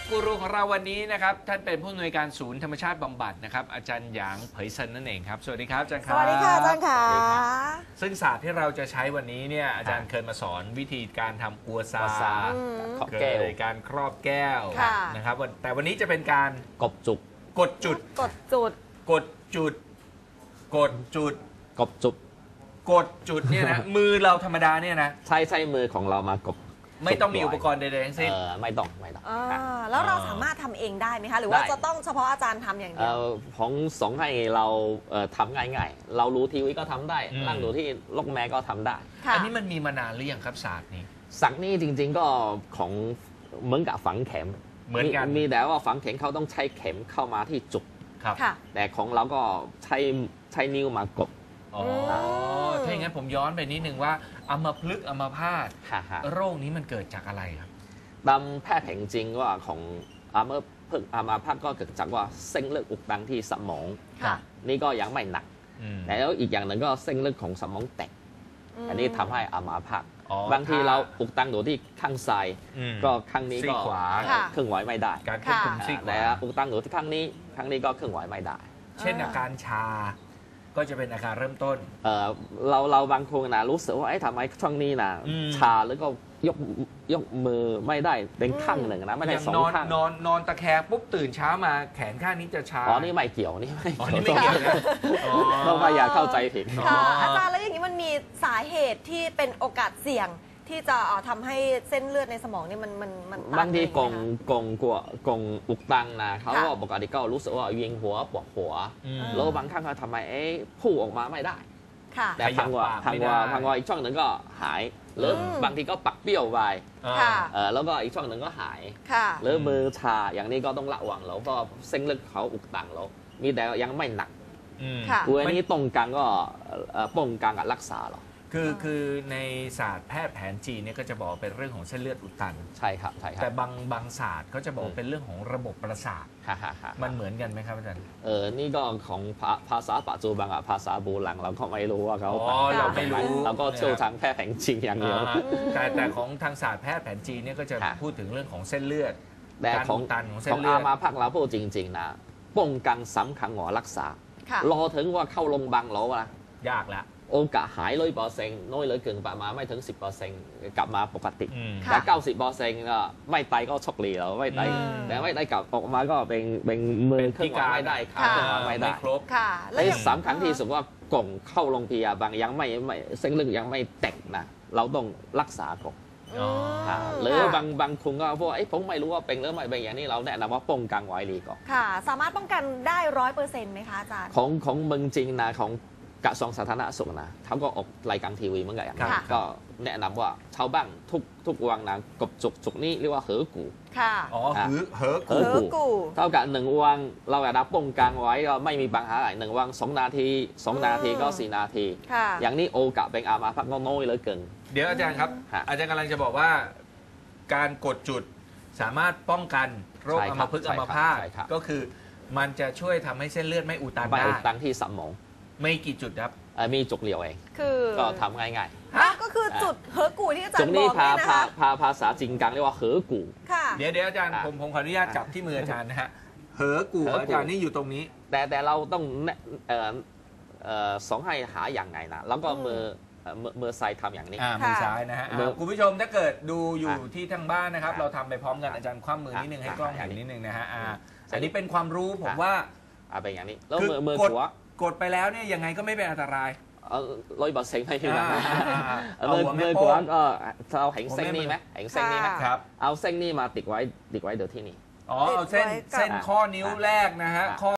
กูรูของเราวันนี้นะครับท่านเป็นผู้อำนวยการศูนย์ธรรมชาติบำบัดนะครับอาจารย์หยางเผยเซินนั่นเองครับสวัสดีครับอาจารย์ครับสวัสดีค่ะอาจารย์ค่ะซึ่งศาสตร์ที่เราจะใช้วันนี้เนี่ยอาจารย์เคยมาสอนวิธีการทำกัวซาเกิดการครอบแก้วนะครับแต่วันนี้จะเป็นการกดจุดกดจุดกดจุดกดจุดกดจุดกดจุดกดจุดเนี่ยนะมือเราธรรมดาเนี่ยนะใช่มือของเรามากดไม่ต้องมีอุปกรณ์ใดๆทั้งสิ้นไม่ต้องแล้วเราสามารถทำเองได้ไหมคะหรือว่าจะต้องเฉพาะอาจารย์ทำอย่างเดียวของสองให้เราทำง่ายๆเรารู้ทีวีก็ทำได้นั่งดูที่ล็อกแม่ก็ทำได้อันนี้มันมีมานานหรือยังครับศาสตร์นี้ศาสตร์นี้จริงๆก็ของเหมือนกับฝังเข็มเหมือนกันมีแต่ว่าฝังเข็มเขาต้องใช้เข็มเข้ามาที่จุดแต่ของเราก็ใช้นิ้วมากดถ้าอย่างนั้นผมย้อนไปนิดนึงว่าอัมพฤกษ์อัมพาตโรคนี้มันเกิดจากอะไรครับตามแพทย์แผนจริงว่าของอัมพฤกษ์อัมพาตก็เกิดจากว่าเส้นเลือดอุดตันที่สมองนี่ก็ยังไม่หนักแล้วอีกอย่างหนึ่งก็เส้นเลือดของสมองแตกอันนี้ทำให้อัมพาตบางทีเราอุดตันอยู่ที่ข้างซ้ายก็ข้างนี้ก็เคลื่อนไหวไม่ได้การควบคุมซีกขวาแต่อุดตันอยู่ที่ข้างนี้ก็เคลื่อนไหวไม่ได้เช่นอาการชาก็จะเป็นอาการเริ่มต้นเราบางคนนะรู้สึกว่าทำไมช่วงนี้นะชาแล้วก็ยกมือไม่ได้เป็นข้างหนึ่งนะไม่ได้สองข้างนอนตะแคงปุ๊บตื่นเช้ามาแขนข้างนี้จะชานี่ไม่เกี่ยวนี่ไม่เกี่ยวต้องไม่อยากเข้าใจผิดอาจารย์แล้วอย่างนี้มันมีสาเหตุที่เป็นโอกาสเสี่ยงที่จะทำให้เส้นเลือดในสมองนี่มันบางทีกงอุกตังนะเขาก็ปกติก็รู้สึกว่าเวียนหัวปวดหัวแล้วบางครั้งเขาทำไมพูดออกมาไม่ได้แต่พังว่าอีกช่องหนึ่งก็หายหรือบางทีก็ปักเปี้ยวไปแล้วก็อีกช่องหนึ่งก็หายหรือมือชาอย่างนี้ก็ต้องระวังแล้วก็เส้นเลือดเขาอุกตังแล้วมีแต่ยังไม่หนักอันนี้ตรงกลางก็ป้องกันกับรักษาหรอคือในศาสตร์แพทย์แผนจีนเนี่ยก็จะบอกเป็นเรื่องของเส้นเลือดอุดตันใช่ครับแต่บางศาสตร์เขาจะบอกเป็นเรื่องของระบบประสาทมันเหมือนกันไหมครับอาจารย์นี่ก็ของภาษาปัจจุบันกับภาษาโบราณเราก็ไม่รู้ว่าเขาเราไม่รู้เราก็เชี่ยวทางแพทย์แผนจีนอย่างเดียวแต่ของทางศาสตร์แพทย์แผนจีนเนี่ยก็จะพูดถึงเรื่องของเส้นเลือดแต่ของตันของเส้นเลือดอามาพักเราพูดจริงๆนะป้องกันสำคัญกว่ารักษารอถึงว่าเข้าโรงพยาบาลแล้วนะยากแล้วโอกาสหาย100%น้อยเหลือเกินประมาณไม่ถึง 10% กลับมาปกติแต่ 90% ก็ไม่ตายก็โชคดีแล้วไม่ตายแต่ไม่ได้กลับออกมาก็เป็นมือเคลื่อนไหวไม่ได้ขาเคลื่อนไหวไม่ได้ไอ้สำคัญที่สุดว่ากล่องเข้าโรงพยาบาลยังไม่เส้นเลือดยังไม่แตกนะเราต้องรักษาก่อนหรือบางคนก็พวกผมไม่รู้ว่าเป็นหรือไม่เป็นอย่างนี้เราแนะนำว่าป้องกันไว้ดีก่อนค่ะสามารถป้องกันได้100%ไหมคะอาจารย์ของเมืองจริงนะของกระทรวงสาธารณสุขนะเขาก็ออกรายการทีวีเหมือนกันก็แนะนำว่าชาวบ้านทุกวันนะกบจุกนี่เรียกว่าเหอกูค่ะเหอกูเท่ากับ1 วันเราอยากได้ป้องกันไว้ก็ไม่มีปัญหาอะไร1 วัน2 นาที2 นาทีก็4 นาทีอย่างนี้โอกาสเป็นอามาพักก็น้อยเหลือเกินเดี๋ยวอาจารย์ครับอาจารย์กำลังจะบอกว่าการกดจุดสามารถป้องกันโรคอัมพฤกษ์อัมพาตก็คือมันจะช่วยทำให้เส้นเลือดไม่อุดตันได้ไม่อุดตันที่สมองไม่กี่จุดครับมีจุดเดียวเองก็ทำง่ายๆก็คือจุดเหอกูที่อาจารย์บอกนี่นะคะภาษาจีนกลางเรียกว่าเหอกูเดี๋ยวอาจารย์ผมขออนุญาตจับที่มืออาจารย์นะฮะเหอกูอาจารย์นี่อยู่ตรงนี้แต่เราต้องสองให้หาอย่างไงนะแล้วก็มือซ้ายทำอย่างนี้มือซ้ายนะฮะคุณผู้ชมถ้าเกิดดูอยู่ที่ทางบ้านนะครับเราทำไปพร้อมกันอาจารย์คว่ำมือนิดนึงให้กล้องเห็นนิดนึงนะฮะอันนี้เป็นความรู้ผมว่าเป็นอย่างนี้แล้วมือขวากดไปแล้วเนี่ยยังไงก็ไม่เป็นอันตราย 100%ให้พี่นะมือขวาก็เราเห็นเส้นนี้ไหมเห็นเส้นนี้ไหมครับเอาเส้นนี้มาติดไว้เดี๋ยวที่นี่เอาเส้นข้อนิ้วแรกนะฮะ